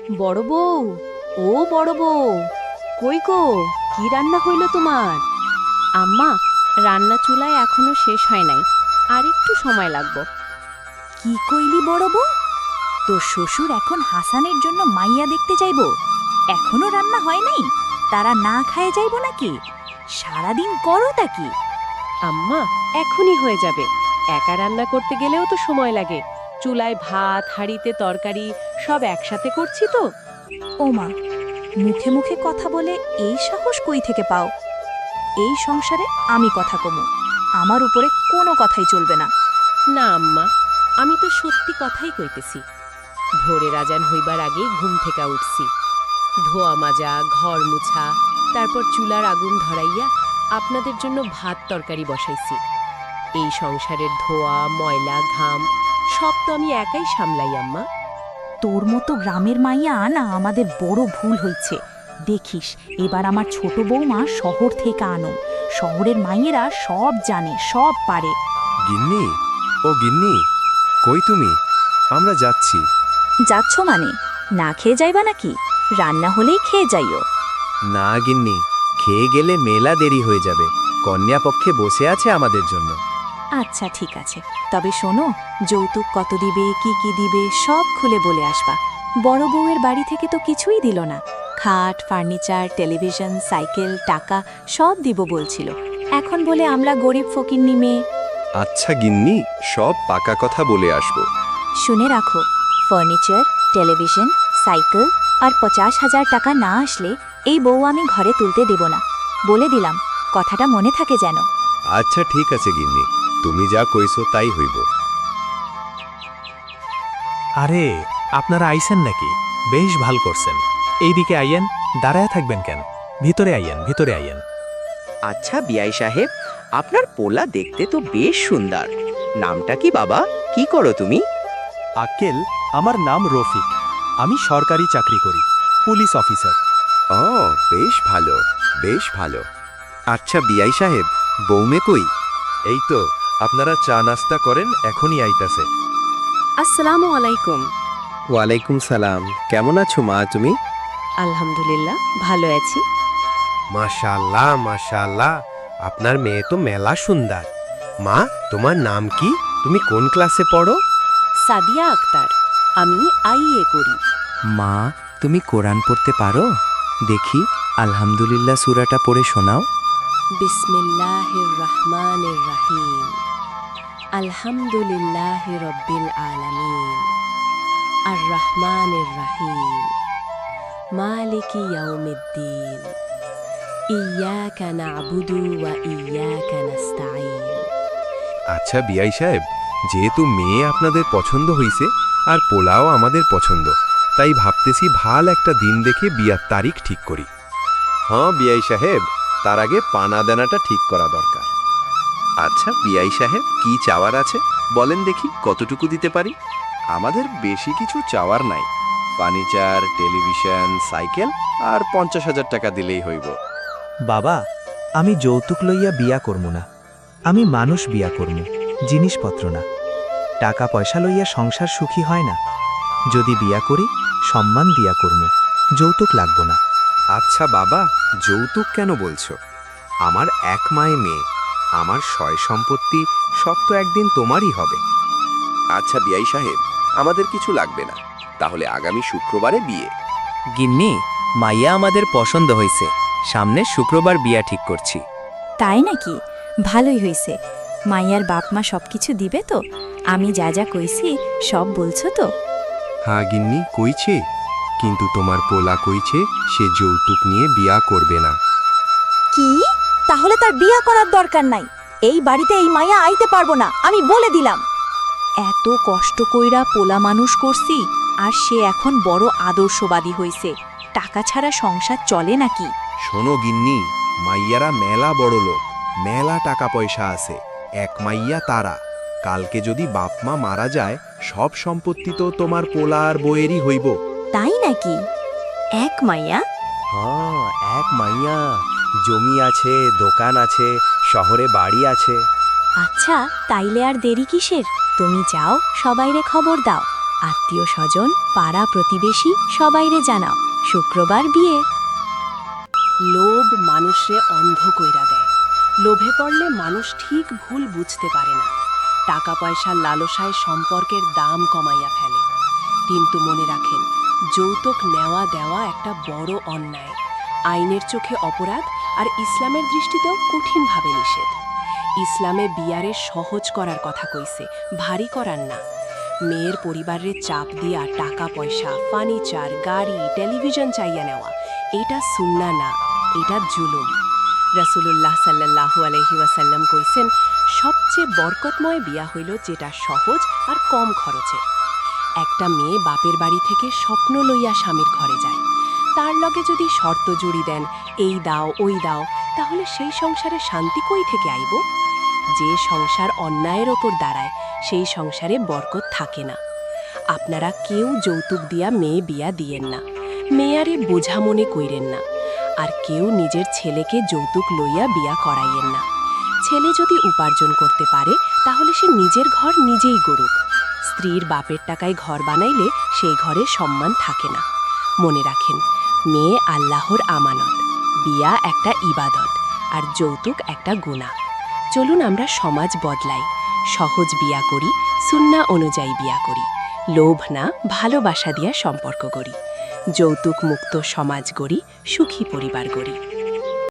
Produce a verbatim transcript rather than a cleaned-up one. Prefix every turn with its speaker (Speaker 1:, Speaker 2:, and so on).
Speaker 1: বড় বউ, ও বড় বউ, কই গো? কি রান্না হইল তোমার? আম্মা, রান্না চুলায় এখনো শেষ হয় নাই, আর একটু সময় লাগবে।
Speaker 2: কি কইলি বড় বউ? তোর শ্বশুর এখন হাসানের জন্য মাইয়া দেখতে যাইব? এখনো রান্না হয় নাই? তারা না খায় যাইব নাকি? সারাদিন করো তা কি?
Speaker 1: আম্মা, এখনই হয়ে যাবে। একা রান্না করতে গেলেও তো সময় লাগে। চুলায় ভাত, হাঁড়িতে তরকারি সব একসাথে করছি তো।
Speaker 2: ওমা, মুখে মুখে কথা বলে এই সাহস কই থেকে পাও? এই সংসারে আমি কথা কমু, আমার উপরে কোনো কথাই চলবে না।
Speaker 1: না আম্মা, আমি তো সত্যি কথাই কইতেছি। ভোরের আজান হইবার আগেই ঘুম থেকে উঠছি। ধোয়া মাজা, ঘর মুছা, তারপর চুলার আগুন ধরাইয়া আপনাদের জন্য ভাত তরকারি বসাইছি। এই সংসারের ধোয়া, ময়লা, ঘাম সব তো আমি একাই সামলাই আম্মা।
Speaker 2: তোর মতো গ্রামের মাইয়া আনা আমাদের বড় ভুল হইছে। দেখিস, এবার আমার ছোট বৌমা শহর থেকে আনো। শহরের মাইয়েরা সব জানে, সব পারে।
Speaker 3: গিন্নি, ও গিন্নি, কই তুমি? আমরা যাচ্ছি।
Speaker 2: যাচ্ছ মানে? না খেয়ে যাইবা নাকি? রান্না হলেই খেয়ে যাইও।
Speaker 3: না গিন্নি, খেয়ে গেলে মেলা দেরি হয়ে যাবে। কন্যা পক্ষে বসে আছে আমাদের জন্য।
Speaker 2: আচ্ছা ঠিক আছে, তবে শোনো, যৌতুক কত দিবে, কি কি দিবে সব খুলে বলে আসবা। বড় বউয়ের বাড়ি থেকে তো কিছুই দিল না। খাট, ফার্নিচার, টেলিভিশন, সাইকেল, টাকা সব দিব বলছিল। এখন বলে আমরা গরিব ফকিন্নি মেয়ে।
Speaker 3: আচ্ছা গিন্নি, সব পাকা কথা বলে আসবো।
Speaker 2: শুনে রাখো, ফার্নিচার, টেলিভিশন, সাইকেল আর পঞ্চাশ হাজার টাকা না আসলে এই বউ আমি ঘরে তুলতে দেব না। বলে দিলাম, কথাটা মনে থাকে যেন।
Speaker 3: আচ্ছা ঠিক আছে গিন্নি, তুমি যা কইছো তাই হইব।
Speaker 4: আরে, আপনারা আইছেন নাকি? বেশ ভাল করছেন। এইদিকে আইয়েন, দাঁড়ায় থাকবেন কেন? ভিতরে আইয়েন, ভিতরে আইয়েন।
Speaker 5: আচ্ছা বিআই সাহেব, আপনার পোলা দেখতে তো বেশ সুন্দর। নামটা কি বাবা? কি করো তুমি?
Speaker 4: আক্কেল, আমার নাম রফিক। আমি সরকারি চাকরি করি, পুলিশ অফিসার।
Speaker 3: ও, বেশ ভালো, বেশ ভালো। আচ্ছা বিআই সাহেব, বৌমে কই? এই তো, আপনারা চা নাস্তা করেন, এখনই আইতাছে।
Speaker 1: আসসালামু আলাইকুম।
Speaker 3: ওয়ালাইকুম সালাম। কেমন আছো মা তুমি?
Speaker 1: আলহামদুলিল্লাহ, ভালো আছি।
Speaker 3: মাশাআল্লাহ, মাশাআল্লাহ, আপনার মেয়ে তো মেলা সুন্দর। মা, তোমার নাম কি? তুমি কোন ক্লাসে পড়ো?
Speaker 1: সাদিয়া আক্তার, আমি আইএ করি।
Speaker 6: মা, তুমি কোরআন পড়তে পারো? দেখি, আলহামদুলিল্লাহ সূরাটা পড়ে শোনাও।
Speaker 1: বিসমিল্লাহির রহমানির রহিম। আলহামদুলিল্লাহি রব্বিল আলামিন। আর রহমানির রহিম। মালিকি ইয়াউমিদ্দিন। ইয়াকা না'বুদু ওয়া ইয়াকা নাস্তাঈন।
Speaker 3: আচ্ছা বিআই সাহেব, যেহেতু মেয়ে আপনাদের পছন্দ হইছে আর পোলাও আমাদের পছন্দ, তাই ভাবতেছি ভাল একটা দিন দেখে বিয়ার তারিখ ঠিক করি। হ্যাঁ বিআই সাহেব, তার আগে পানা দানাটা ঠিক করা দরকার। আচ্ছা বিআই সাহেব, কি চাওয়ার আছে বলেন দেখি, কতটুকু দিতে পারি? আমাদের বেশি কিছু চাওয়ার নাই। ফার্নিচার, টেলিভিশন, সাইকেল আর পঞ্চাশ হাজার টাকা দিলেই হইব।
Speaker 4: বাবা, আমি যৌতুক লইয়া বিয়া করমু না। আমি মানুষ বিয়া করমু, জিনিসপত্র না। টাকা পয়সা লইয়া সংসার সুখী হয় না। যদি বিয়া করি, সম্মান দিয়া করমু, যৌতুক লাগব না।
Speaker 3: আচ্ছা বাবা, যৌতুক কেন বলছো? আমার এক মায়ে মেয়ে, আমার সয় সম্পত্তি সব তো একদিন তোমারই হবে। আচ্ছা বিআই সাহেব, আমাদের কিছু লাগবে না। তাহলে আগামী শুক্রবারে বিয়ে।
Speaker 6: গিন্নি, মাইয়া আমাদের পছন্দ হইছে। সামনে শুক্রবার বিয়া ঠিক করছি।
Speaker 2: তাই নাকি? ভালোই হইছে। মাইয়ার বাপ মা সব কিছু দিবে তো? আমি যা যা কইছি সব বলছো তো?
Speaker 3: হ্যাঁ গিন্নি, কইছে, কিন্তু তোমার পোলা কইছে সে যৌতুক নিয়ে বিয়া করবে না।
Speaker 2: কি? তাহলে তার বিয়া করার দরকার নাই। এই বাড়িতে এই মাইয়া আইতে পারবো না, আমি বলে দিলাম। এত কষ্ট কইরা পোলা মানুষ করছি, আর সে এখন বড় আদর্শবাদী হইছে। টাকা ছাড়া সংসার চলে নাকি?
Speaker 3: শোনো গিন্নি, মাইয়ারা মেলা বড় লোক, মেলা টাকা পয়সা আছে। এক মাইয়া তারা, কালকে যদি বাপ মা মারা যায়, সব সম্পত্তি তো তোমার পোলা আর বইয়েরই হইব।
Speaker 2: তাই নাকি? এক মাইয়া?
Speaker 3: হ্যাঁ, এক মাইয়া। জমি আছে, দোকান আছে, শহরে বাড়ি আছে।
Speaker 2: আচ্ছা, তাইলে আর দেরি কিসের? তুমি যাও, সবাইরে খবর দাও। আত্মীয় স্বজন পাড়া প্রতিবেশী সবাইরে জানাও শুক্রবার বিয়ে।
Speaker 1: লোভ মানুষে অন্ধ কইরা দেয়। লোভে পড়লে মানুষ ঠিক ভুল বুঝতে পারে না। টাকা পয়সার লালসায় সম্পর্কের দাম কমাইয়া ফেলে। কিন্তু মনে রাখেন, যৌতুক নেওয়া দেওয়া একটা বড় অন্যায়। আইনের চোখে অপরাধ, আর ইসলামের দৃষ্টিতেও কঠিনভাবে নিষেধ। ইসলামে বিয়ারে সহজ করার কথা কইছে, ভারী করার না। মেয়ের পরিবারের চাপ দিয়া টাকা পয়সা, ফার্নিচার, গাড়ি, টেলিভিশন চাইয়া নেওয়া, এটা সুন্নাহ না, এটা জুলুম। রাসূলুল্লাহ সাল্লাল্লাহু আলাইহি ওয়াসাল্লাম কইছেন, সবচেয়ে বরকতময় বিয়া হইল যেটা সহজ আর কম খরচে। একটা মেয়ে বাপের বাড়ি থেকে স্বপ্ন লইয়া স্বামীর ঘরে যায়। তার লগে যদি শর্ত জুড়ি দেন, এই দাও ওই দাও, তাহলে সেই সংসারে শান্তি কই থেকে আইব? যে সংসার অন্যায়ের ওপর দাঁড়ায়, সেই সংসারে বরকত থাকে না। আপনারা কেউ যৌতুক দিয়া মেয়ে বিয়া দিয়েন না, মেয়ারে বোঝা মনে কইরেন না। আর কেউ নিজের ছেলেকে যৌতুক লইয়া বিয়া করাইয়েন না। ছেলে যদি উপার্জন করতে পারে, তাহলে সে নিজের ঘর নিজেই গড়ুক। স্ত্রীর বাপের টাকায় ঘর বানাইলে সেই ঘরে সম্মান থাকে না। মনে রাখেন, মেয়ে আল্লাহর আমানত, বিয়া একটা ইবাদত, আর যৌতুক একটা গুনাহ। চলুন আমরা সমাজ বদলাই, সহজ বিয়া করি, সুন্নাহ অনুযায়ী বিয়া করি, লোভ না ভালোবাসা দিয়া সম্পর্ক গড়ি, যৌতুক মুক্ত সমাজ গড়ি, সুখী পরিবার গড়ি।